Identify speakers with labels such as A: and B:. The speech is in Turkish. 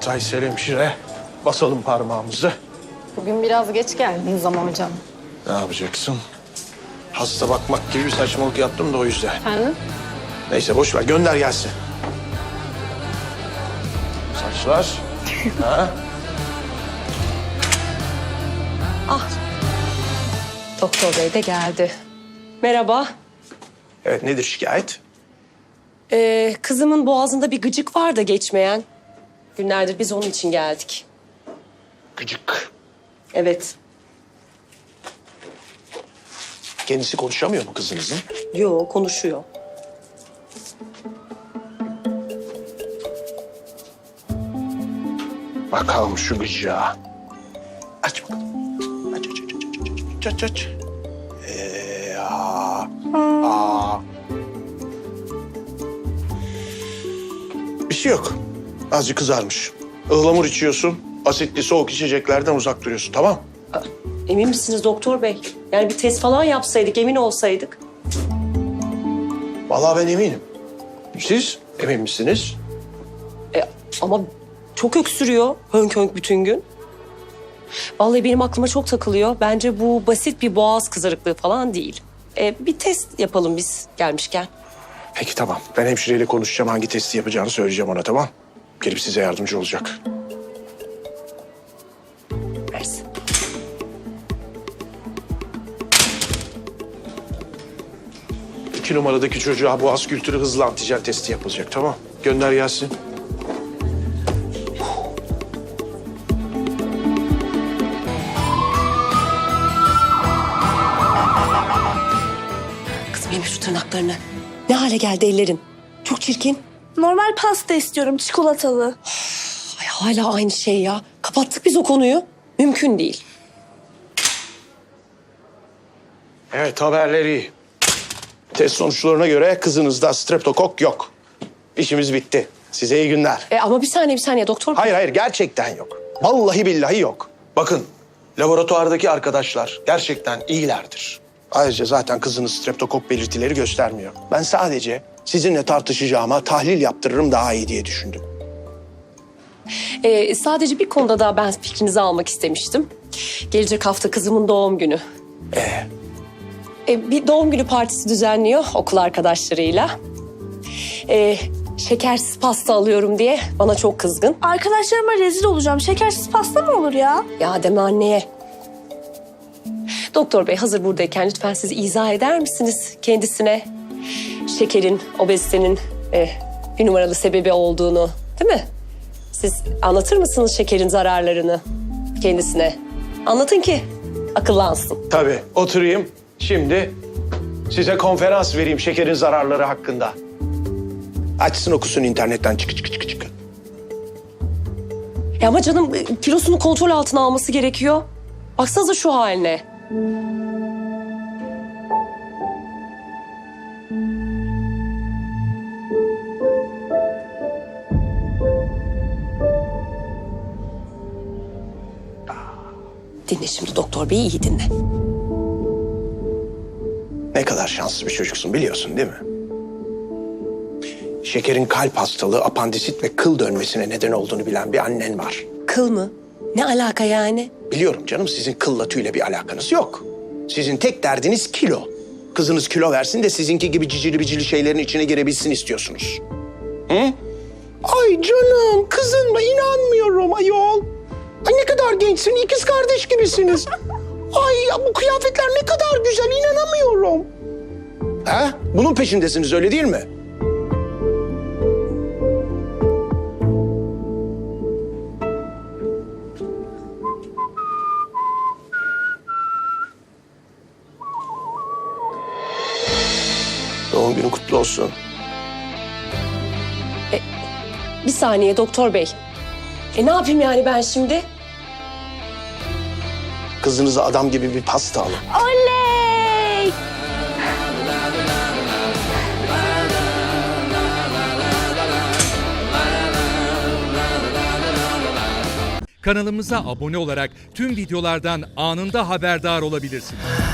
A: Aysel hemşire. Basalım parmağımızı.
B: Bugün biraz geç geldiniz ama hocam.
A: Ne yapacaksın? Hasta bakmak gibi bir saçmalık yaptım da o yüzden.
B: Efendim?
A: Neyse boş ver, gönder gelsin. Saçlar. Ha?
C: Doktor bey de geldi. Merhaba.
A: Evet, nedir şikayet?
C: Kızımın boğazında bir gıcık var da geçmeyen. Günlerdir biz onun için geldik.
A: Gıcık.
C: Evet.
A: Kendisi konuşamıyor mu kızınızın?
C: Yo, konuşuyor.
A: Bakalım şu gıcığa. Aç bakalım. Aç. Aç. Aa. Bir şey yok. Azıcık kızarmış. Ihlamur içiyorsun. Asitli soğuk içeceklerden uzak duruyorsun, tamam?
C: Emin misiniz doktor bey? Yani bir test falan yapsaydık, emin olsaydık.
A: Vallahi ben eminim. Siz emin misiniz?
C: Ama çok öksürüyor hönk hönk bütün gün. Vallahi benim aklıma çok takılıyor. Bence bu basit bir boğaz kızarıklığı falan değil. Bir test yapalım biz gelmişken.
A: Peki tamam. Ben hemşireyle konuşacağım. Hangi testi yapacağını söyleyeceğim ona, tamam? Gelip size yardımcı olacak.
C: Versin.
A: İki numaradaki çocuğa boğaz kültürü hızlı antijen testi yapılacak, tamam? Gönder gelsin.
C: Kızım yeme şu tırnaklarını. Ne hale geldi ellerin? Çok çirkin.
D: Normal pasta istiyorum, çikolatalı.
C: Ay hala aynı şey ya. Kapattık biz o konuyu. Mümkün değil.
A: Evet, haberleri iyi. Test sonuçlarına göre kızınızda streptokok yok. İşimiz bitti. Size iyi günler.
C: Ama bir saniye doktor.
A: Hayır, gerçekten yok. Vallahi billahi yok. Bakın, laboratuvardaki arkadaşlar gerçekten iyilerdir. Ayrıca zaten kızınız streptokok belirtileri göstermiyor. Ben sadece sizinle tartışacağıma tahlil yaptırırım daha iyi diye düşündüm.
C: Sadece bir konuda daha ben fikrinizi almak istemiştim. Gelecek hafta kızımın doğum günü. Bir doğum günü partisi düzenliyor okul arkadaşlarıyla. Şekersiz pasta alıyorum diye bana çok kızgın.
D: Arkadaşlarıma rezil olacağım. Şekersiz pasta mı olur ya?
C: Ya deme anneye. Doktor bey hazır buradayken lütfen siz izah eder misiniz kendisine? Şekerin, obezitenin bir numaralı sebebi olduğunu, değil mi? Siz anlatır mısınız şekerin zararlarını kendisine? Anlatın ki akıllansın.
A: Tabii, oturayım. Şimdi size konferans vereyim şekerin zararları hakkında. Açsın okusun internetten çık.
C: Ama canım kilosunu kontrol altına alması gerekiyor. Baksanıza şu haline. Dinle şimdi doktor bey, iyi dinle.
A: Ne kadar şanslı bir çocuksun biliyorsun değil mi? Şekerin kalp hastalığı, apandisit ve kıl dönmesine neden olduğunu bilen bir annen var.
C: Kıl mı? Ne alaka yani?
A: Biliyorum canım, sizin kılla tüyle bir alakanız yok. Sizin tek derdiniz kilo. Kızınız kilo versin de sizinki gibi cicili bicili şeylerin içine girebilsin istiyorsunuz. Hı? Ay canım, kızın mı? İnanmıyorum ayol. Ay ne kadar gençsin, ikiz kardeş gibisiniz. Ay bu kıyafetler ne kadar güzel, inanamıyorum. Ha? Bunun peşindesiniz öyle değil mi? Doğum günün kutlu olsun.
C: Bir saniye doktor bey. Ne yapayım yani ben şimdi?
A: Kızınıza adam gibi bir pasta alın.
D: Oley!
E: Kanalımıza abone olarak tüm videolardan anında haberdar olabilirsiniz.